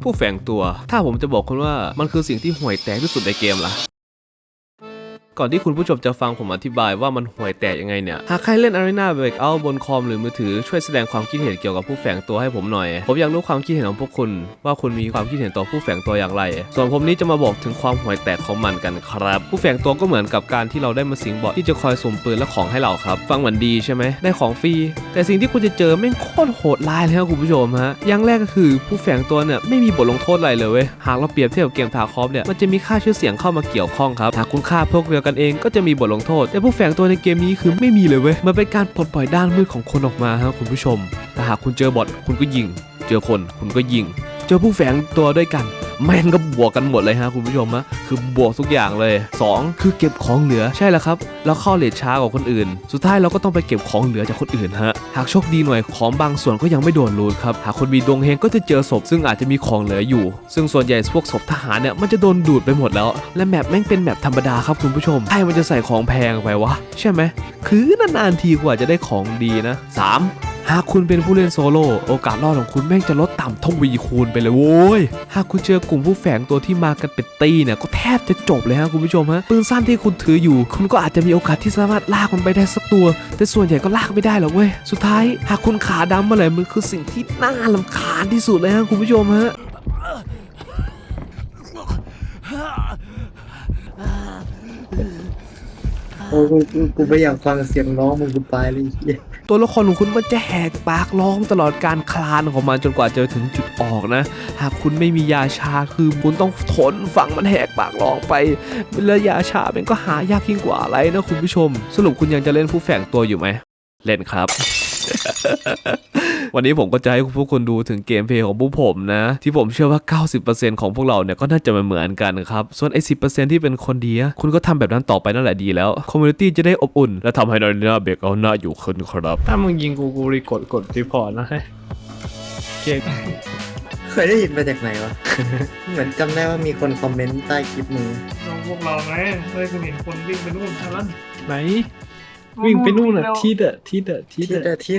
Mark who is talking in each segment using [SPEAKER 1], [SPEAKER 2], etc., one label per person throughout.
[SPEAKER 1] ผู้แฝงตัวถ้าผมจะบอกคุณว่ามันคือสิ่งที่ห่วยแตกที่สุดในเกมล่ะก่อนที่คุณผู้ชมจะฟังผมอธิบายว่ามันห่วยแตกยังไงเนี่ยหากใครเล่น Arena Breakout บนคอมหรือมือถือช่วยแสดงความคิดเห็นเกี่ยวกับผู้แฝงตัวให้ผมหน่อยผมอยากรู้ความคิดเห็นของพวกคุณว่าคุณมีความคิดเห็นต่อผู้แฝงตัวอย่างไรส่วนผมนี้จะมาบอกถึงความห่วยแตกของมันกันครับผู้แฝงตัวก็เหมือนกับการที่เราได้มาสิงบอทที่จะคอยสุ่มปืนและของให้เราครับฟังเหมือนดีใช่ไหมได้ของฟรีแต่สิ่งที่คุณจะเจอแม่งโคตรโหดร้ายเลยครับคุณผู้ชมฮะอย่างแรกก็คือผู้แฝงตัวเนี่ยไม่มีบทลงโทษอะไรเลยเว้ยหากเราเปรียบเทียบกับเกมทาคอฟเนี่ยมันจะมีค่าชื่อเสียงเข้ามาเกี่ยวข้องครับหากคุณฆ่าพวกเดียวกันเองก็จะมีบทลงโทษแต่ผู้แฝงตัวในเกมนี้คือไม่มีเลยเว้ยมันเป็นการปลดปล่อยด้านมืดของคนออกมาครับคุณผู้ชมแต่หากคุณเจอบอทคุณก็ยิงเจอคนคุณก็ยิงเจอผู้แฝงตัวด้วยกันแม่งก็บวกกันหมดเลยฮะคุณผู้ชมฮะคือบวกทุกอย่างเลย2คือเก็บของเหลือใช่แล้วครับเราเข้าเลทช้ากว่าคนอื่นสุดท้ายเราก็ต้องไปเก็บของเหลือจากคนอื่นฮะหากโชคดีหน่อยของบางส่วนก็ยังไม่โดนรูทครับหากคนมีดวงเฮงก็จะเจอศพซึ่งอาจจะมีของเหลืออยู่ซึ่งส่วนใหญ่พวกศพทหารเนี่ยมันจะโดนดูดไปหมดแล้วและแมปแม่งเป็นแมปธรรมดาครับคุณผู้ชมใครมันจะใส่ของแพงไปวะใช่ไหมคือนานๆทีกว่าจะได้ของดีนะ3หากคุณเป็นผู้เล่นโซโล่โอกาสรอดของคุณแม่งจะลดต่ำทวีคูณไปเลยโว้ยหากคุณเจอกลุ่มผู้แฝงตัวที่มากันเป็นตีเนี่ยก็แทบจะจบเลยฮะคุณผู้ชมฮะปืนสั้นที่คุณถืออยู่คุณก็อาจจะมีโอกาสที่สามารถลากมันไปได้สักตัวแต่ส่วนใหญ่ก็ลากไม่ได้หรอกเว้ยสุดท้ายหากคุณขาดำมาเลยมันคือสิ่งที่น่ารำคาญที่สุดเลยฮะคุณผู้ชมฮะ
[SPEAKER 2] โอ้กูไม่อยากฟังเสียงร้องมึงกูตายเลยเหี้ย
[SPEAKER 1] ตัวละครของคุณมันจะแหกปากร้องตลอดการคลานของมันจนกว่าจะถึงจุดออกนะหากคุณไม่มียาชาคือคุณต้องทนฟังมันแหกปากร้องไปแล้วยาชามันก็หายากยิ่งกว่าอะไรนะคุณผู้ชมสรุปคุณยังจะเล่นผู้แฝงตัวอยู่ไหมเล่นครับ วันนี้ผมก็จะให้พวกคุณดูถึงเกมเพลย์ของพวกผมนะที่ผมเชื่อว่า 90% ของพวกเราเนี่ยก็น่าจะเหมือนกันครับส่วนไอ้ 10% ที่เป็นคนดีคุณก็ทำแบบนั้นต่อไปนั่นแหละดีแล้วคอมมูนิตี้จะได้อบอุ่นและทำให้เราเนี่ยเบรกเอาหน้าอยู่ขึ้นครับ
[SPEAKER 3] ถ้ามึงยิงกูรีกดรีพอร์ตนะเก่ง
[SPEAKER 2] เคยได้ยินมาจากไหนวะ เหมือนจำได้ว่ามีคนคอมเมนต์ใต้คลิปมึง
[SPEAKER 4] น้องพวกเราไงเคยเห็นคนวิ่งไปนู่นทางนั้น
[SPEAKER 3] ไหนวิ่งไปนู่นน่ะทิศ
[SPEAKER 2] ทิศ
[SPEAKER 4] ทิศ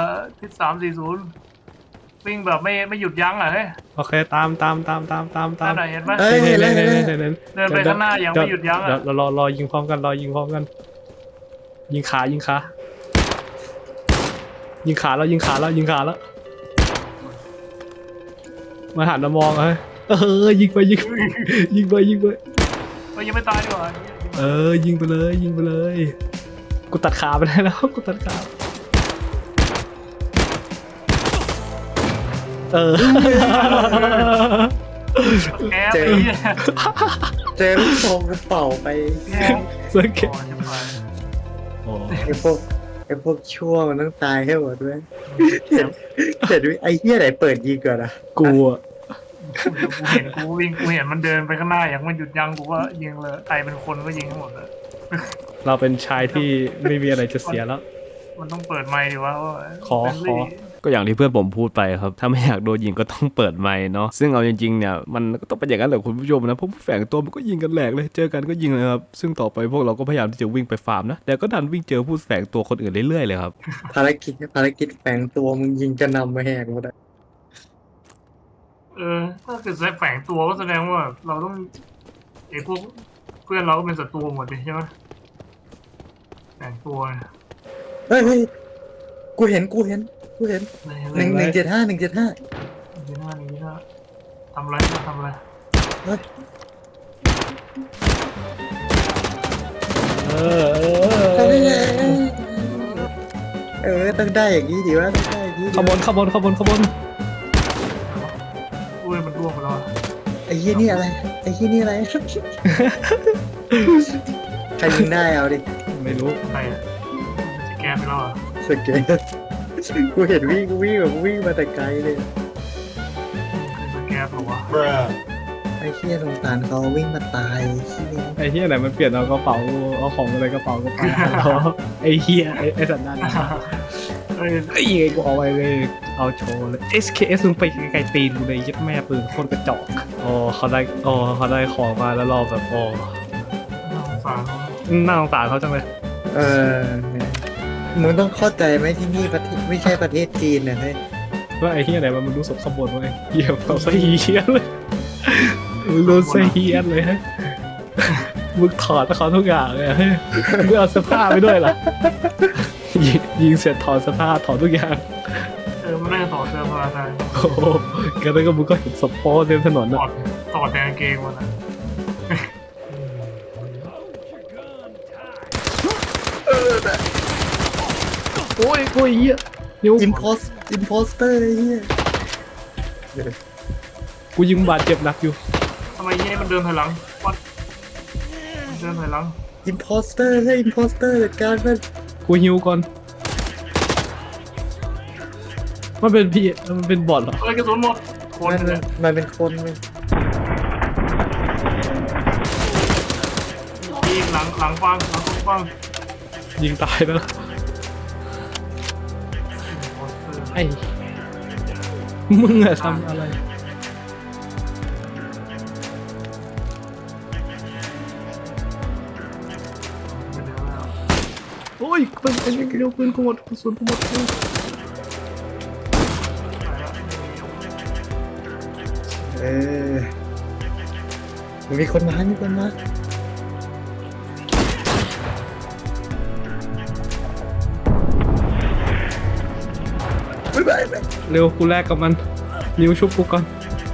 [SPEAKER 4] 340วิ่งแบบไม่หยุดยั้งอ่ะเฮ้ย
[SPEAKER 3] โอเคตาม
[SPEAKER 4] นั่นน่ะเห็นไหม
[SPEAKER 2] เฮ้ย
[SPEAKER 3] เดิน
[SPEAKER 4] เดินไปข้างหน้ายังไม่หยุดยั้งอ่ะ
[SPEAKER 3] รอยิงพร้อมกันยิงขายิงขาแล้วมาหันมามองยิงไป
[SPEAKER 4] มันยังไม่ตายดีกว่า
[SPEAKER 3] ยิงไปเลยกูตัดขาไปได้แล้วกูตัดขา
[SPEAKER 4] แอบไปเนี่ย
[SPEAKER 2] เจอลูกซองกูเป่าไป
[SPEAKER 3] เสื้อเก็บ
[SPEAKER 2] ไอ้พวกชั่วมันต้องตายให้หมดด้วยแต่ด้วยไอ้เหี้ยไหนเปิดยิงก่อนอะ
[SPEAKER 3] กูอ่ะ
[SPEAKER 4] กูเห็นมันเดินไปข้างหน้าอย่างไม่หยุดยั้งกูว่ายิงเลยใครเป็นคนก็ยิงทั้งหมดเลย
[SPEAKER 3] เราเป็นชายที่ไม่มีอะไรจะเสียแล้ว
[SPEAKER 4] มันต้องเปิดไมค์ดิวะ
[SPEAKER 3] ขอ
[SPEAKER 1] ก็อย่างที่เพื่อนผมพูดไปครับถ้าไม่อยากโดนยิงก็ต้องเปิดไมค์เนาะซึ่งเอาจริงๆเนี่ยมันก็ต้องเป็นอย่างนั้นแหละคุณผู้ชมนะเพราะผู้แฝงตัวมันก็ยิงกันแหลกเลยเจอกันก็ยิงเลยครับซึ่งต่อไปพวกเราก็พยายามที่จะวิ่งไปฟาร์มนะแต่ก็ดันวิ่งเจอผู้แฝงตัวคนอื่นเรื่อยๆเลยครับ
[SPEAKER 2] ภารกิจแฝงตัวมึงยิงกระนำมาแหกหมดอะ
[SPEAKER 4] ถ้าเกิดแฝงตัวก็แสดงว่าเราต้องไอ้พวกเพื่อนเราก็เป็นศัตรูหมดเลยใช่ไหมแฝงตัว
[SPEAKER 2] เฮ้ยกูเห็น175
[SPEAKER 4] นี่หน้าทำอะไร
[SPEAKER 2] เฮ้ยต้องได้อย่างนี้ดิวะต้องได้อย่างนี้
[SPEAKER 3] ขบวน
[SPEAKER 4] อุ้ยมันร่วงไปแล้ว
[SPEAKER 2] ไอ้ยี่นี่อะไรใครยิงได้เอาดิ
[SPEAKER 3] ไม่รู้
[SPEAKER 4] ใครสแกนไปแล้วอ่ะ
[SPEAKER 2] สเก็ตกูเห็นวิ่งมาแต่ไกลเลย
[SPEAKER 4] สแกนหรอวะ
[SPEAKER 2] ไอ้เหี้ยสงสารเขาวิ่งมาตายไอ้เหี้ย
[SPEAKER 3] ไอ้เฮียไหนมันเปลี่ยนเอากระเป๋าเอาของอะไรกระเป๋าก็ไปไอ้เฮียไอ้สัตว์นั่นไอ้ยังไงกูเอาไปเลยเอาโชว์เลย SKS มึงไปไกลๆตีนกูเลยยัดแม่ปืนโคตรกระจอกเขาได้ของมาแล้วรอแบบ
[SPEAKER 4] น่าสงสาร
[SPEAKER 3] น่าสงสารเขาจังเลย
[SPEAKER 2] มึงต้องเข้าใจไหมที่นี่ประเทศไม่ใช่ประเทศจีนนะเฮ้ย
[SPEAKER 3] ว่าไอ้เฮียไหนมันรู้สมขบวนไว้เหี้ยเขาใส่เฮียเลยมึงโดนใส่เฮียเลยฮะมึงถอดเขาทุกอย่างเลยอะมึงเอาเสื้อผ้าไปด้วยล่ะยิงเสร็จถอดเสื้อผ้าถอดทุกอย่าง
[SPEAKER 4] มันน่าจะต่อเสื้อผ้าได้
[SPEAKER 3] โอ้โหกันแล้วก็มึงก็เห็นสปอร์เต็มถนน
[SPEAKER 4] ถ
[SPEAKER 3] อ่ะ
[SPEAKER 4] อดแดงเกงมันนะ
[SPEAKER 3] โอ้ยเฮียนิ้ว
[SPEAKER 2] อิมโพสเตอร์ไอ้เหี้ย
[SPEAKER 3] กูยิงบาดเจ็บหนักอยู่
[SPEAKER 4] ทำไมเนี่ยมันเดินถอยหลังวัดมันเดินถอยหลัง
[SPEAKER 2] อิมโพสเตอร์ให้อิมโพสเตอร์จัดการมัน
[SPEAKER 3] กูฮิวก่อนมันเป็นพี่มันเป็นบอทเหรอ
[SPEAKER 4] เอ้ยกระสุนหมดคน
[SPEAKER 2] มัน
[SPEAKER 4] เนี่ย
[SPEAKER 2] มันเป็นคนมัน
[SPEAKER 4] ยิงหลังฟัง
[SPEAKER 3] ยิงตายแล้วไอ้มึงอะทำอะไรโอ้ยเป็นเร็วปืนกูหมดกระสุนกูหมด
[SPEAKER 2] เออมีคนมาไม่ไป
[SPEAKER 3] เร็วกูแลกกับมันนิ้วชุบกูก่อน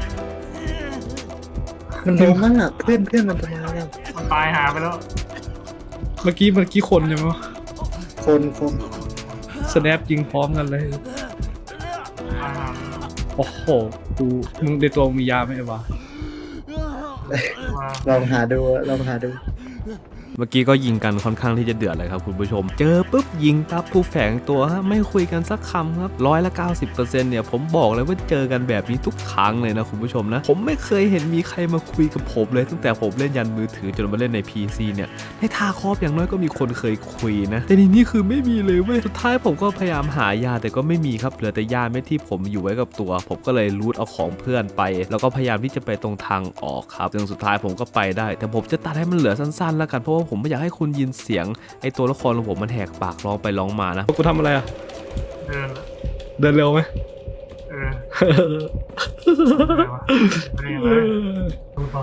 [SPEAKER 2] มันลงมั่งอ่ะเพื่อนมันจะมาแล้ว
[SPEAKER 4] มันตายหาไปแล้ว
[SPEAKER 3] เมื่อกี้คนใช่ไหมวะ
[SPEAKER 2] คน
[SPEAKER 3] สแนปยิงพร้อมกันเลย
[SPEAKER 4] ตายหาไปแล้ว
[SPEAKER 3] โอ้โหมึงในตัวมียาไหมไอ้วะ
[SPEAKER 4] มา
[SPEAKER 2] ลองหาดู
[SPEAKER 1] เมื่อกี้ก็ยิงกันค่อนข้างที่จะเดือดเลยครับคุณผู้ชม เจอปุ๊บยิงปั๊บผู้แฝงตัวฮะไม่คุยกันสักคำครับ90%เนี่ยผมบอกเลยว่าเจอกันแบบนี้ทุกครั้งเลยนะคุณผู้ชมนะผมไม่เคยเห็นมีใครมาคุยกับผมเลยตั้งแต่ผมเล่นยันมือถือจนมาเล่นใน PC เนี่ยในทาคอฟอย่างน้อยก็มีคนเคยคุยนะแต่ในนี้คือไม่มีเลยเว้ยสุดท้ายผมก็พยายามหายาแต่ก็ไม่มีครับเหลือแต่ยาเม็ดที่ผมอยู่ไว้กับตัว ผมก็เลยรูทเอาของเพื่อนไป แล้วก็พยายามที่จะไปตรงทางออกครับจนสุดท้ายผมก็ไปได้แต่ผมจะตัดให้มันเหลือสั้นๆแล้วกันเพราะว่าผมไม่อยากให้คุณยินเสียงไอตัวละครของผมมันแหกปากร้องไปร้องมานะ
[SPEAKER 3] กูทำอะไรอ่ะ
[SPEAKER 4] เดิน
[SPEAKER 3] เดินเร็วไหม
[SPEAKER 4] เอออะไรวะไม่ได้ยังไงดูก่อน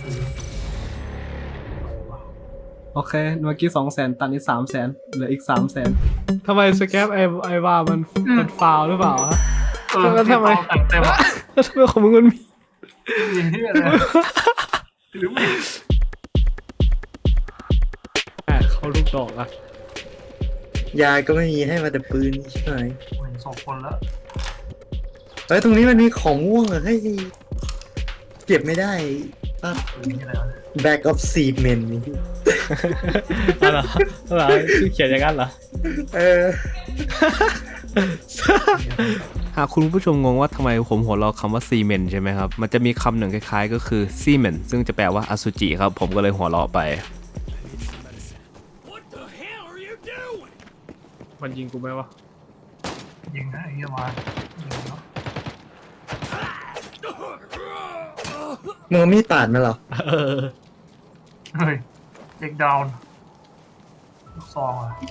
[SPEAKER 3] โอเคเมื่อกี้200,000ตันนี้300,000เหลืออีก300,000ทำไมสแกปไอว่ามันฟาวหรือเปล่าฮะ แล้วทำไม
[SPEAKER 4] แต่งเต็มอ่ะ
[SPEAKER 3] แล้วทำไมของมึงมันมี
[SPEAKER 4] ยิงที่อะไรหรือไม่
[SPEAKER 3] เขาลูกดอกอะ
[SPEAKER 2] ยาก็ไม่มีให้มาแต่ปืนใช่ไหม
[SPEAKER 4] เห็นศพคนแล้ว
[SPEAKER 2] เฮ้ยตรงนี้มันมีของม่วงอะให้เก็บไม่ได้ป่ะ
[SPEAKER 4] นี่อะไรวะ
[SPEAKER 2] Back of Seamen นี่
[SPEAKER 3] อะไรชื่อเขียนอย่างนั้นเหรอ
[SPEAKER 2] เออ
[SPEAKER 1] หากคุณผู้ชมงงว่าทำไมผมหัวเราะคำว่าซีเมนใช่ไหมครับมันจะมีคำหนึ่งคล้ายๆก็คือซีเมนซึ่งจะแปลว่าอสุจิครับผมก็เลยหัวเราะไป
[SPEAKER 3] มันยิงกูไหมวะ
[SPEAKER 4] ยิงนะไอ้เหี้ยมายิงเนาะ
[SPEAKER 2] มึงเอามีดปาดมาเหรอ
[SPEAKER 4] เฮ้ยเด็กดาวน์ลูกซองอ่ะ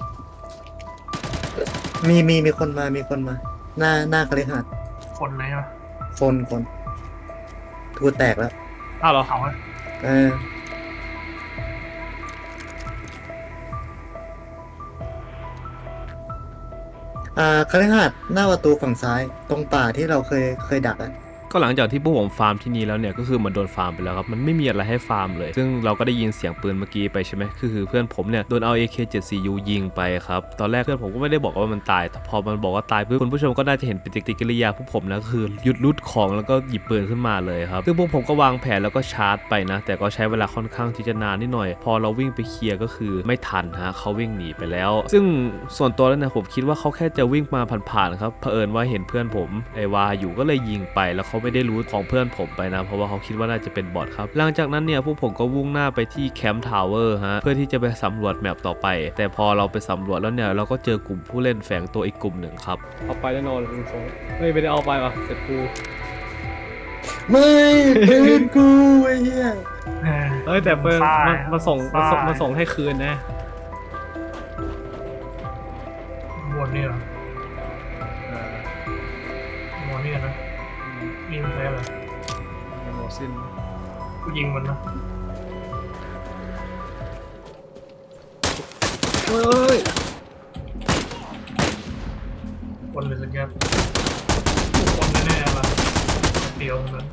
[SPEAKER 2] มีคนมาหน้าคฤหาสน์
[SPEAKER 4] คนเลยใช่ไหม
[SPEAKER 2] คนทูแตกแล้ว
[SPEAKER 3] อ้าวเหรอ
[SPEAKER 4] เขาอะ
[SPEAKER 2] เออคฤหาสน์หน้าประตูฝั่งซ้ายตรงป่าที่เราเคยดักอ่ะ
[SPEAKER 1] ก็หลังจากที่พวกผมฟาร์มที่นี่แล้วเนี่ยก็คือมันโดนฟาร์มไปแล้วครับมันไม่มีอะไรให้ฟาร์มเลยซึ่งเราก็ได้ยินเสียงปืนเมื่อกี้ไปใช่ไหมคือเพื่อนผมเนี่ยโดนเอา AK-74U ยิงไปครับตอนแรกเพื่อนผมก็ไม่ได้บอกว่ามันตายแต่พอมันบอกว่าตายปุ๊บคุณผู้ชมก็น่าจะเห็นปฏิกิริยาพวกผมนะคือหยุดรูดของแล้วก็หยิบปืนขึ้นมาเลยครับซึ่งพวกผมก็วางแผนแล้วก็ชาร์จไปนะแต่ก็ใช้เวลาค่อนข้างที่จะนานนิดหน่อยพอเราวิ่งไปเคลียร์ก็คือไม่ทันฮะเขาวิ่งหนีไปแล้ว ซึ่งส่วนตัวแล้วนะผมคิดว่าเขาแค่จะวิ่งมาผ่านๆครับเผอิญว่าเห็นเพื่อนผมไอวาอยู่ก็เลยยิงไปแล้วเขาไม่ได้รู้ของเพื่อนผมไปนะเพราะว่าเขาคิดว่าน่าจะเป็นบอทครับหลังจากนั้นเนี่ยพวกผมก็วุ่งหน้าไปที่แคมป์ทาวเวอร์ฮะเพื่อที่จะไปสำรวจแมปต่อไปแต่พอเราไปสำรวจแล้วเนี่ยเราก็เจอกลุ่มผู้เล่นแฝงตัวอีกกลุ่มหนึ่งครับ
[SPEAKER 3] เอาไปแน่นอนลุงโซ่ไม่ได้เอาไปว่ะเสร็จกู
[SPEAKER 2] ไม่ปืนกูไอ้เหี้ย
[SPEAKER 3] เอ้ยแต่เปิ้ล
[SPEAKER 4] ซ้าย
[SPEAKER 3] มาส่ง
[SPEAKER 4] ซ้าย
[SPEAKER 3] มาส่งให้คืนนะ
[SPEAKER 4] วนนี่เหรอวนนี่
[SPEAKER 3] ซิน
[SPEAKER 4] กูยิงมันนะ
[SPEAKER 3] เฮ้ย
[SPEAKER 4] คนเลยสักแกคนแน่ๆละเดียวนั้น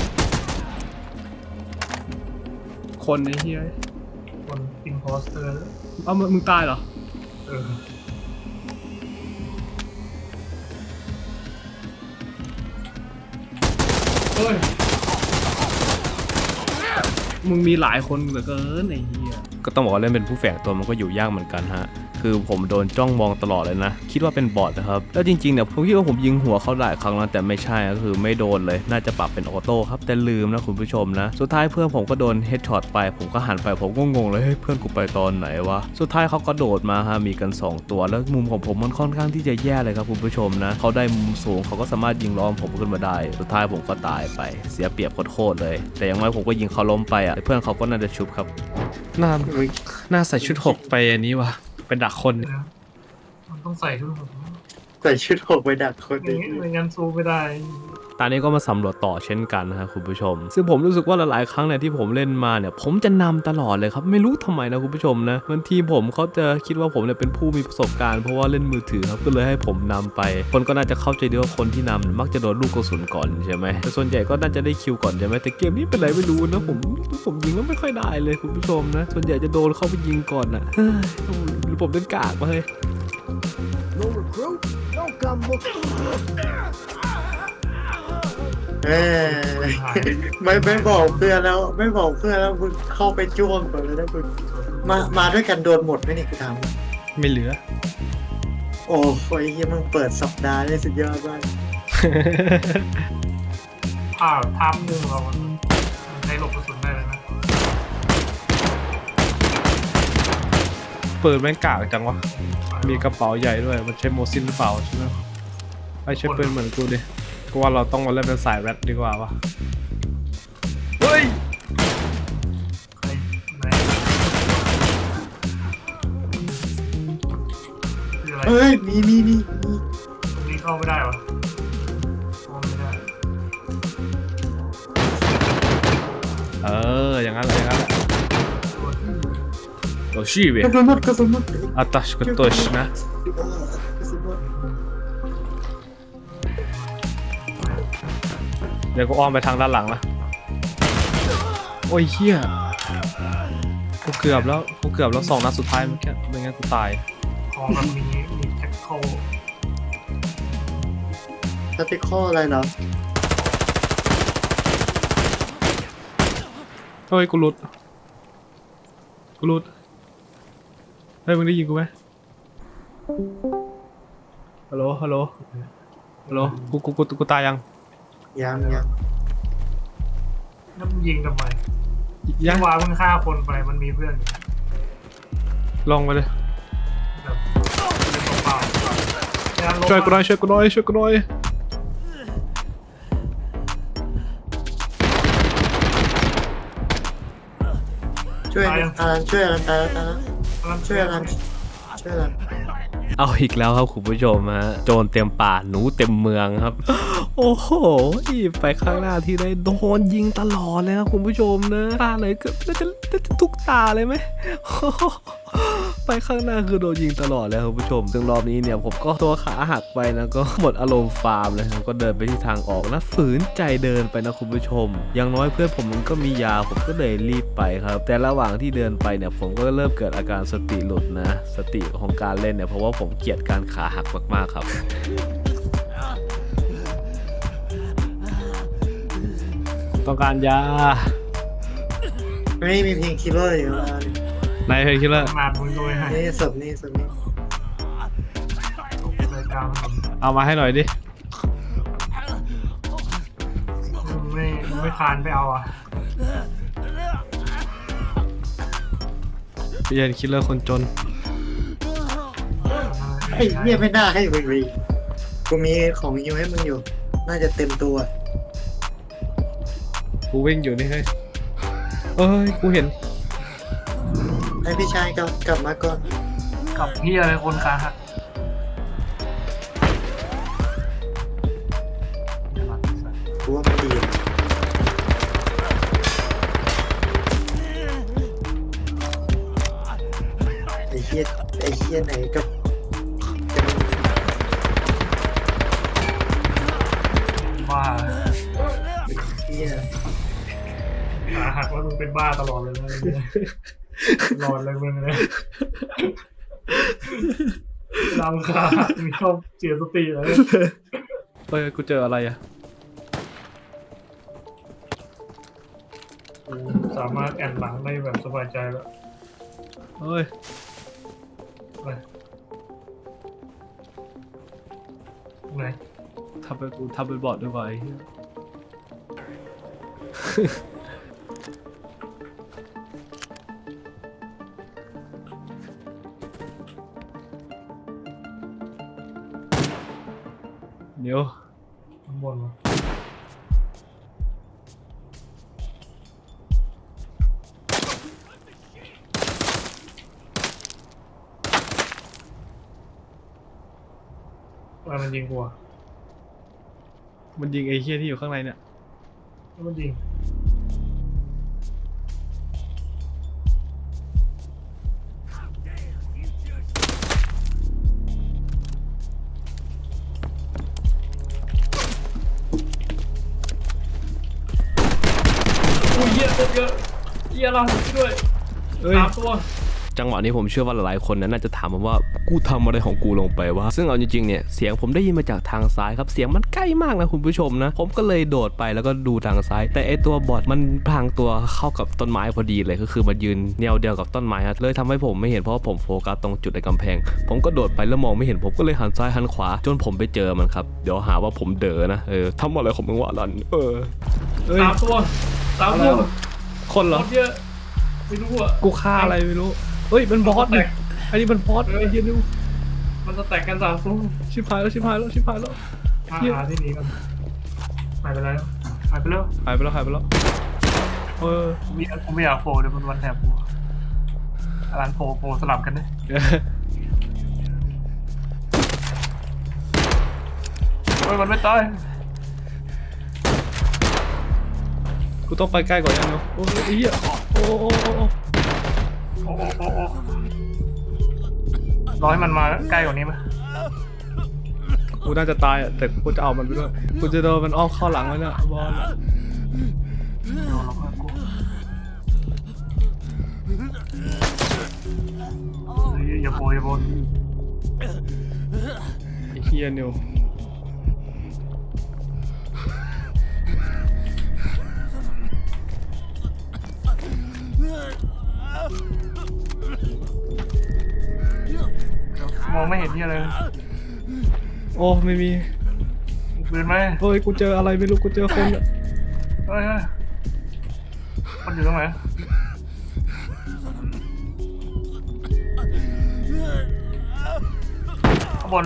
[SPEAKER 3] คนไอ้เหี้ย
[SPEAKER 4] คนอินโพสเตอร์
[SPEAKER 3] เอ้ามึงตายเหรอ
[SPEAKER 4] เออเฮ้ย
[SPEAKER 3] มึงมีหลายคนเหลือเกินไอ้เหี้ย
[SPEAKER 1] ก็ต้องบอกว่าเล่นเป็นผู้แฝงตัวมันก็อยู่ยากเหมือนกันฮะคือผมโดนจ้องมองตลอดเลยนะคิดว่าเป็นบอทนะครับแล้วจริงๆเนี่ยผมคิดว่าผมยิงหัวเขาหลายครั้งแล้วแต่ไม่ใช่ก็คือไม่โดนเลยน่าจะปรับเป็นออโต้ครับแต่ลืมนะคุณผู้ชมนะสุดท้ายเพื่อนผมก็โดนเฮดช็อตไปผมก็หันไปผมก็งงเลยเฮ้ยเพื่อนกูไปตอนไหนวะสุดท้ายเขาก็โดดมาฮะมีกัน2ตัวแล้วมุมของผมมันค่อนข้างที่จะแย่เลยครับคุณผู้ชมนะเขาได้มุมสูงเขาก็สามารถยิงล้อมผมขึ้นมาได้สุดท้ายผมก็ตายไปเสียเปรียบโคตรเลยแต่อย่างน้อยผมก็ยิงเขาล้มไปอ่ะเพื่อนเขาก็น่าจะชุบครับ
[SPEAKER 3] น่าใส่ชุด6ไปอันนี้วะเป็นดักคน
[SPEAKER 4] มันต้องใส่ชุดผม
[SPEAKER 2] ใส่ชุดหกไปดักคน
[SPEAKER 4] อย่างนี้ไม่งั้นสู้ไม่ได้
[SPEAKER 1] ตอนนี้ก็มาสำรวจต่อเช่นกันนะฮะคุณผู้ชมซึ่งผมรู้สึกว่าหลายๆครั้งเนี่ยที่ผมเล่นมาเนี่ยผมจะนำตลอดเลยครับไม่รู้ทำไมนะคุณผู้ชมนะบางทีผมเขาจะคิดว่าผมเนี่ยเป็นผู้มีประสบการณ์เพราะว่าเล่นมือถือครับก็เลยให้ผมนำไปคนก็น่าจะเข้าใจดีว่าคนที่นำมักจะโดนลูกกระสุนก่อนใช่ไหมแต่ส่วนใหญ่ก็น่าจะได้คิวก่อนใช่ไหมแต่เกมนี้เป็นไรไม่รู้นะผมยิงแล้วไม่ค่อยได้เลยคุณผู้ชมนะส่วนใหญ่จะโดนเข้าไปยิงก่อนอ่ะหรือผมเล่นกากมาเลย
[SPEAKER 5] No recruit? Don't come looking.
[SPEAKER 2] ไม่บอกเพื่อนแล้วไม่บอกเพื่อนแล้วมึงเข้าไปจ้วงก่อนเลยนะมึงมาด้วยกันโดนหมดไหมเนี่ยกูถาม
[SPEAKER 3] ไม่เหลือ
[SPEAKER 2] โอ้ยเฮียมึงเปิดสัปดาห์ได้สุดยอดมาก
[SPEAKER 4] ภาพมุมเรามันใช้หลบกระสุนได้เลยนะ
[SPEAKER 3] เปิดแม่งกากจังวะมีกระเป๋าใหญ่ด้วยมันใช้โมซินหรือเปล่าใช่ไหมไอใช้ปืนเหมือนกูดิกูว่าเราต้องมาเล่นเป็นสายแรดดีกว่าวะเฮ้ย
[SPEAKER 4] ใครไหนคืออะไร
[SPEAKER 2] เฮ้ยมี
[SPEAKER 4] ตรงนี้เข้าไม่ได้วะเข้าไม่ได้
[SPEAKER 3] อย่างนั้นแหละโอ้ชีเว้ย
[SPEAKER 2] กระสุนหมดกระสุนหมด
[SPEAKER 3] อัตชกตัวชนะ
[SPEAKER 2] กระสุนหมด
[SPEAKER 3] เดี๋ยวกูอ้อมไปทางด้านหลังนะโอ้ยเฮียกูเกือบแล้ว2 นัดสุดท้ายเมื่อกี้ไม่งั้นกูตาย
[SPEAKER 4] ของมันมีแท็กโค
[SPEAKER 2] สติคออะไรเนาะ
[SPEAKER 3] เฮ้ยกูหลุดเฮ้ยมึงได้ยินกูไหมฮัลโหลกูตายยัง
[SPEAKER 2] ยัง
[SPEAKER 4] แล้วมันยิงทำไม
[SPEAKER 3] ยัง
[SPEAKER 4] ว่ามึงฆ่าคนไปมันมีเพื่อนอยู่
[SPEAKER 3] ลงไปเลย
[SPEAKER 4] แบบเล่นเปล่าๆ
[SPEAKER 3] ช่วยกูหน่อยช่วยกูหน่อย
[SPEAKER 2] ช่วยอารันช่วยอารันตายแล้วช่วยอารัน
[SPEAKER 1] เอาอีกแล้วครับคุณผู้ชมฮะโจรเต็มป่าหนูเต็มเมืองครับ โอ้โหไปข้างหน้าที่ได้โดนยิงตลอดเลยครับคุณผู้ชมนะตาไหนก็จะทุกตาเลยไหม ไปข้างหน้าคือโดนยิงตลอดเลยครับคุณผู้ชมซึ่งรอบนี้เนี่ยผมก็ตัวขาหักไปนะก็หมดอารมณ์ฟาร์มเลยครับก็เดินไปที่ทางออกนะฝืนใจเดินไปนะคุณผู้ชมอย่างน้อยเพื่อนผมมันก็มียาผมก็เลยรีบไปครับแต่ระหว่างที่เดินไปเนี่ยผมก็เริ่มเกิดอาการสติหลุดนะสติของการเล่นเนี่ยเพราะว่าผมเกลียดการขาหักมากๆครับ
[SPEAKER 3] ต้องการยา
[SPEAKER 2] ไม่มีเพลงคิลเลอร์อยู่แล้ว
[SPEAKER 3] นายเพลงคิดแล้ว
[SPEAKER 4] มามึงโดยให้
[SPEAKER 2] นี่ศพนี่
[SPEAKER 4] เลยกลางผม
[SPEAKER 3] เอามาให้หน่อยดิ
[SPEAKER 4] ไม่คานไปเอาอ่ะ
[SPEAKER 3] เปลี่ยนคิลเลอร์คนจน
[SPEAKER 2] ไอ้เหี้ยไม่น่าให้มึงเลยกูมีของยูให้มึงอยู่น่าจะเต็มตัว
[SPEAKER 3] กูวิ่งอยู่นี่เฮ้ยเอ้ยกูเห็น
[SPEAKER 2] ให้พี่ชายกลับมาก่อน
[SPEAKER 4] กับพี่อะไรคนขาหัก
[SPEAKER 2] กูว่ามันดีเหี้ยไหนกับ
[SPEAKER 4] บ้า
[SPEAKER 2] เหี้ย
[SPEAKER 4] ขาหักว่ามึงเป็นบ้าตลอดเลยนะตลอดเลยมึงเลยลำขาหักมีชอบเสียสติเลย
[SPEAKER 3] เฮ้ยกูเจออะไรอ่ะ
[SPEAKER 4] กูสามารถแอนหลังได้แบบสบายใจแล้ว
[SPEAKER 3] เฮ้ย
[SPEAKER 4] ไปไหน
[SPEAKER 3] ทำเป็นบอดด้วยวะไอ้เหี้ยเดี๋ยว
[SPEAKER 4] ข้างบนวะว่ามันยิงกูอ่ะ
[SPEAKER 3] มันยิงไอ้เหี้ยที่อยู่ข้างในเนี่ย
[SPEAKER 4] แล้วมันยิงอุ้ยเยอะเยอะเราด้วย
[SPEAKER 3] เอ้ย
[SPEAKER 4] 3 ตัว
[SPEAKER 1] จังหวะนี้ผมเชื่อว่าหลายๆคนนั้นน่าจะถามผมว่ากูทำอะไรของกูลงไปวะซึ่งเอาจริงๆเนี่ยเสียงผมได้ยินมาจากทางซ้ายครับเสียงมันใกล้มากนะคุณผู้ชมนะผมก็เลยโดดไปแล้วก็ดูทางซ้าย แต่ไอตัวบอทมันพรางตัวเข้ากับต้นไม้พอดีเลยก็คือมันยืนแนวเดียวกับต้นไม้ครับเลยทำให้ผมไม่เห็นเพราะว่าผมโฟกัสตรงจุดในกำแพงผมก็โดดไปแล้วมองไม่เห็นผมก็เลยหันซ้ายหันขวาจนผมไปเจอมันครับเดี๋ยวหาว่าผมเด๋อนะทำอะไรของมึงวะลัน
[SPEAKER 3] เอ้ย
[SPEAKER 4] 3 ตัว3 ตัว
[SPEAKER 3] คนเหรอ
[SPEAKER 4] หมดเยอะไม่รู้อ่ะ
[SPEAKER 3] กูฆ่าอะไรไม่รู้ เฮ้ยมันบอสเนี่ยอันนี้มันบอสไอ้เหี้ยนี่
[SPEAKER 4] มันจะแตกกัน3 ตัว
[SPEAKER 3] ชิบหายแล้ว
[SPEAKER 4] หาที่หนีกันหายไปแล้วหายไปแล้ว
[SPEAKER 3] หายไปแล้วเออ
[SPEAKER 4] กูไม่อยากโผล่เดี๋ยวมันวันแถบกูร้านโผล่สลับกันดิเฮ้ยมันไม่ตาย
[SPEAKER 3] กูต้องไปใกล้กว่านี้เนาะโอ้ยไอ้เหี้ยโอ้
[SPEAKER 4] โอ้รอให้มันมาใกล้กว่านี้ไหม
[SPEAKER 3] กูน่าจะตายอ่ะแต่กูจะเอามันไปด้วยกูจะโดนมันอ้อมเข้าหลังไว้เนี่ยบอล
[SPEAKER 4] อย่าโผล่
[SPEAKER 3] ไอ้เหี้ยนิว
[SPEAKER 4] มองไม่เห็นที่อะไร
[SPEAKER 3] โอ้ไม่มี
[SPEAKER 4] ปืนไหม
[SPEAKER 3] เฮ้ยกูเจออะไรไม่รู้กูเจอคนอ่ะ
[SPEAKER 4] เฮ้ยมันอยู่ตรงไหนข้างบน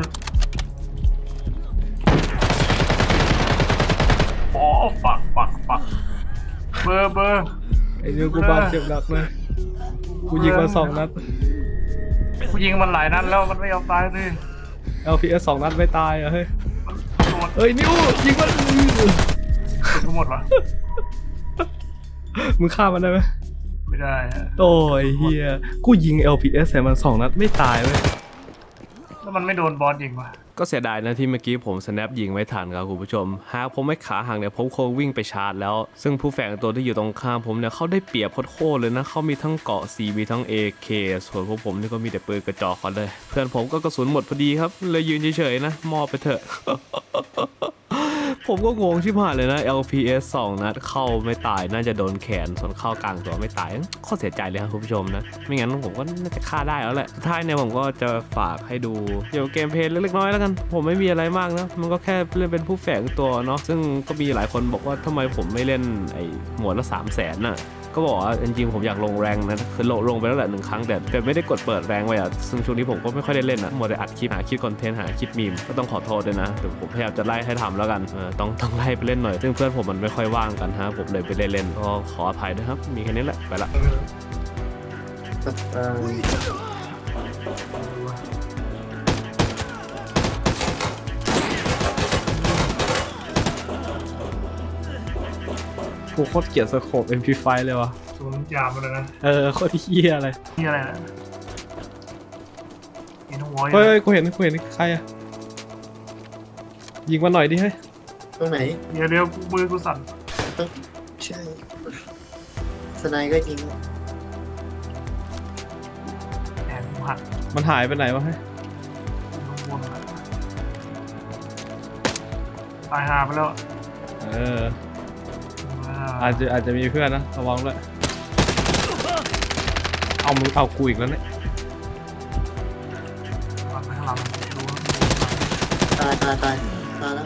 [SPEAKER 4] โอ้ฝักเบอร์
[SPEAKER 3] ไอ้นิวกูบาดเจ็บหนักเลยกูยิงมา2 นัด
[SPEAKER 4] กูยิงมันหลายนัดแล้วมันไม่ยอมตายเลย
[SPEAKER 3] LPS 2 นัดไม่ตายอ่ะเฮ้ย
[SPEAKER 4] หมด
[SPEAKER 3] เฮ้ยนิวยิงมัน
[SPEAKER 4] กูหมดวะ
[SPEAKER 3] มึงฆ่ามันได้ไหม
[SPEAKER 4] ไม่ได้ฮะ
[SPEAKER 3] โอ้ยเฮียกูยิง LPS ใส่มัน2 นัดไม่ตายเว้ย
[SPEAKER 4] แล้วมันไม่โดนบอสยิงวะ
[SPEAKER 1] ก็เสียดายนะที่เมื่อกี้ผมสแนปยิงไม่ทันครับคุณผู้ชมหากผมไม่ขาห่างเนี่ยผมคงวิ่งไปชาร์จแล้วซึ่งผู้แฝงตัวที่อยู่ตรงข้ามผมเนี่ยเขาได้เปรียบโคตรเลยนะเขามีทั้งเกาะ C มีทั้ง AK ส่วนพวกผมนี่ก็มีแต่ปืนกระจอกเขาเลยเพื่อนผมก็กระสุนหมดพอดีครับเลยยืนเฉยๆนะมอบไปเถอะ ผมก็งงชิบหายเลยนะ LPS 2 นัดเข้าไม่ตายน่าจะโดนแขนส่วนเข้ากลางตัวไม่ตายข้อเสียใจเลยครับคุณผู้ชมนะไม่งั้นผมก็น่าจะฆ่าได้แล้วแหละท้ายเนี่ยผมก็จะฝากให้ดูเกี่ยวกับเกมเพลย์เล็กๆน้อยๆแล้วกันผมไม่มีอะไรมากนะมันก็แค่เล่นเป็นผู้แฝงตัวเนาะซึ่งก็มีหลายคนบอกว่าทำไมผมไม่เล่นไอ้หมวดละ 300,000 น่ะก็บอกว่าจริงๆผมอยากลงแรงนะคือลงไปแล้วแหละ1 ครั้งแต่ไม่ได้กดเปิดแรงไว้อะซึ่งช่วงนี้ผมก็ไม่ค่อยได้เล่นอะมัวแต่อัดคลิปหาคลิปคอนเทนต์หาคลิปมีมก็ต้องขอโทษด้วยนะเดี๋ยวผมพยายามจะไล่ให้ทำแล้วกันต้องไล่ไปเล่นหน่อยซึ่งเพื่อนผมมันไม่ค่อยว่างกันฮะผมเลยไปเล่นก็ขออภัยด้วยครับมีแค่นี้แหละไปละ
[SPEAKER 3] กูโคตรเกลียดสโคป MP5 เลยวะ
[SPEAKER 4] ศูนย์ยามมาเลยนะ
[SPEAKER 3] โคตรเหี้ยอะไร
[SPEAKER 4] นี่อะไรนะวอย
[SPEAKER 3] เฮ้ยกูเห็นใครอะยิงมาหน่อยดิเฮ้ย
[SPEAKER 2] ตรงไหน
[SPEAKER 4] เดี๋ยวมือกูสั่น
[SPEAKER 2] ใช่สไนก็ยิง
[SPEAKER 4] แขนกูหัก
[SPEAKER 3] มันหายไปไหนวะเฮ้ย
[SPEAKER 4] ลงบนอะตายหาไปแล้ว
[SPEAKER 3] อาจจะมีเพื่อนนะระวังด้วยเอามึงเอากูอีกแล้วเนี่ย
[SPEAKER 4] หันไปข้างหลังดู
[SPEAKER 2] ตายแล้ว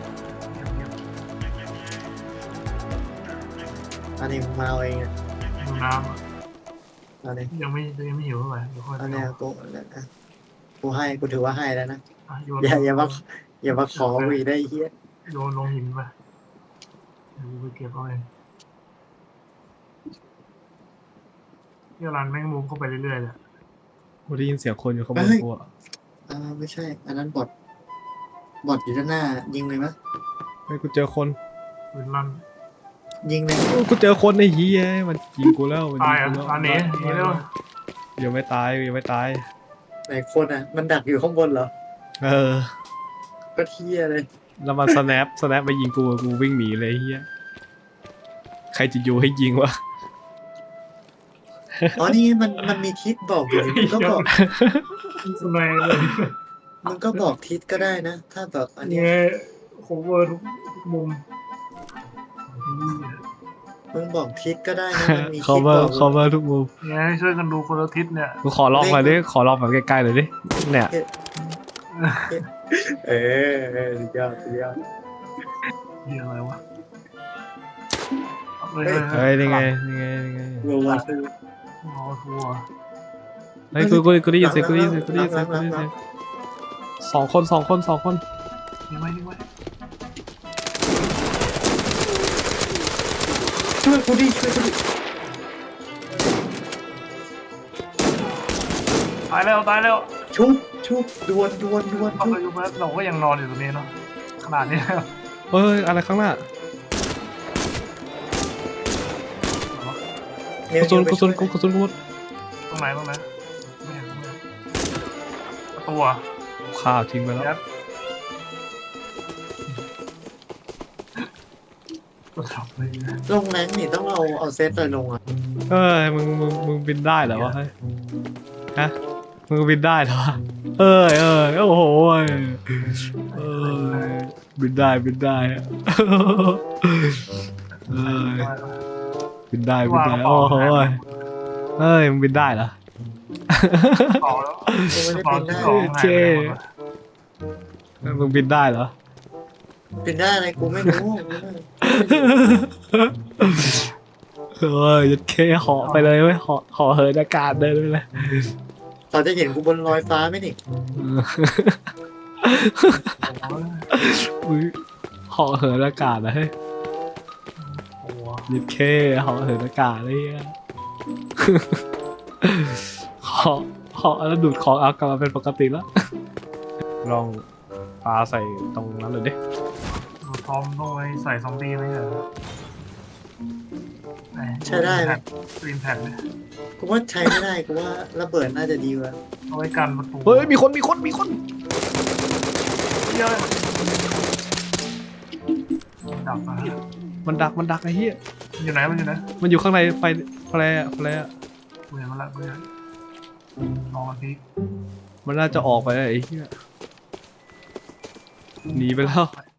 [SPEAKER 2] อันนี้มึงมาเอาเองอ่ะ
[SPEAKER 4] ดูน้ำอะ
[SPEAKER 2] อันนี้
[SPEAKER 4] ยังไม่หิวเท่าไหร่เดี๋ยวค่อย
[SPEAKER 2] อันนี้กูถือว่าให้แล้วนะ
[SPEAKER 4] อ่ะโยน
[SPEAKER 2] อย่ามาขอกูอีกได้ไอ้เฮีย
[SPEAKER 4] โยนลงหินไปเดี๋ยวกูไปเก็บเอาเองที่ร้านแม่งมุมเข้าไปเรื่อยๆเลย
[SPEAKER 3] กูได้ยินเสียงคนอยู่ข้างบนกูอะ
[SPEAKER 2] ไม่ใช่ อันนั้นบอทอยู่ด้านหน้า ยิงเลยมั้ย
[SPEAKER 3] เฮ้ยกูเจอคน
[SPEAKER 4] ปืนลั่น
[SPEAKER 2] ยิงเลย
[SPEAKER 3] กูเจอคนในเฮียมันยิงกูแล้วมัน
[SPEAKER 4] ตาย
[SPEAKER 3] ยิ
[SPEAKER 4] อ่ะ
[SPEAKER 3] งกูแล้ว
[SPEAKER 4] ร้านนี้นี่เร็ว
[SPEAKER 3] ยังไม่ตาย
[SPEAKER 2] ไหนคนอ่ะ มันดักอยู่ข้างบนเหรอ
[SPEAKER 3] เออ
[SPEAKER 2] ก็เทียเลย
[SPEAKER 3] แล้วมันสแนปไปยิงกูวิ่งหนีเลยเฮียใครจะอยู่ให้ยิงวะ
[SPEAKER 2] อ๋อนี่มันมีทิศบอกอยู่มึงก็บอก
[SPEAKER 4] สมัยเลย
[SPEAKER 2] มึงก็บอกทิศก็ได้นะ ถ้าแบบอัน
[SPEAKER 4] นี่
[SPEAKER 2] เนี้ย
[SPEAKER 4] โคเวอร์ทุกมุม
[SPEAKER 2] มึงบอกทิศก็ได้นะมันมี
[SPEAKER 3] คอ
[SPEAKER 2] ทิศ
[SPEAKER 3] เวอบ
[SPEAKER 2] อ
[SPEAKER 3] ร์
[SPEAKER 2] ก
[SPEAKER 3] คอเวอร์ทุกมุม
[SPEAKER 4] เนี่ยให้ช่วยกันดูคนละทิศเนี่ย
[SPEAKER 3] กูขอลองหน่อยดิขอลองแบบใกล้ๆเลยดิเนี่ย
[SPEAKER 2] สุดยอด
[SPEAKER 4] นี่อะไรวะ
[SPEAKER 3] เฮ้ยนี่ไง
[SPEAKER 2] โรวัต
[SPEAKER 4] รอทัวร์
[SPEAKER 3] เฮ้ยกูได้ยินเสียงสองคน
[SPEAKER 4] นี่ไว้นี่ไว้
[SPEAKER 2] ช่วยกูดิ
[SPEAKER 4] ตายแล้ว
[SPEAKER 2] ชุบดวน
[SPEAKER 4] เข้าไปดูแป๊บเราก็ยังนอนอยู่ตรงนี้เนาะขนาดนี้
[SPEAKER 3] เฮ้ยอะไรข้างหน้า กระสุนกูหมด
[SPEAKER 4] ตรงไหนไม่เห็นประตูอ่ะ
[SPEAKER 3] ข้าวทิ้งไปแล้ว
[SPEAKER 4] ยัดตัวขับเลย
[SPEAKER 2] ลงแรงนี่ต้องเอาเซตเลยลงอ่ะ
[SPEAKER 3] เฮ้ยมึงบินได้เหรอวะเฮ้ยฮะมึงบินได้เหรอวะเอ้ยโอ้โหบินได้บินได้โอ้โหเฮ้ยมึงบินได้เหรอ
[SPEAKER 4] ต่อแล้ว
[SPEAKER 2] กูไม่ได้
[SPEAKER 4] ต่อ
[SPEAKER 2] เป็น
[SPEAKER 4] ที่
[SPEAKER 2] ได้
[SPEAKER 4] สอง
[SPEAKER 3] เจ๊ มึงบินได้เหรอ
[SPEAKER 2] เป็นได้อะไรกูไม่รู้
[SPEAKER 3] เฮ้ยยัดเคเหาะไปเลยเว้ยเหาะเหินอากาศเดินไปเลย
[SPEAKER 2] เขาจะเห็นกูบนลอยฟ้าไหมนี่
[SPEAKER 3] อุ๊ยเหาะเหินอากาศนะเฮ้ย
[SPEAKER 4] โอ้โห
[SPEAKER 3] ยัดเคเหาะเหินอากาศเลยอะเหาะแล้วดูดของเอากลับมาเป็นปกติแล้วลองปลาใส่ตรงนั้นเลยดิ
[SPEAKER 4] ดูทอมต้องไว้ใส่ซอมบี้ไหมเหรอ
[SPEAKER 2] ใช้ได้ไหม
[SPEAKER 4] กรีนแผ่นเนี่ย
[SPEAKER 2] กูว่าใช้ไม่ได้กูว่าระเบิดน่าจะดีกว่า
[SPEAKER 4] เอาไว้กันประตู
[SPEAKER 3] เฮ้ยมีคน
[SPEAKER 4] เยอะดับมา
[SPEAKER 3] มันดักไอ้เหี้ย
[SPEAKER 4] อยู่ไหนมันอยู่ไหน
[SPEAKER 3] มันอยู่ข้างในไฟแฟร์
[SPEAKER 4] กูเห็นมันละกูเห็นรอพี
[SPEAKER 3] มันน่าจะออกไปแล้วไอ้เหี้ยหนีไปแล้ว
[SPEAKER 4] ไป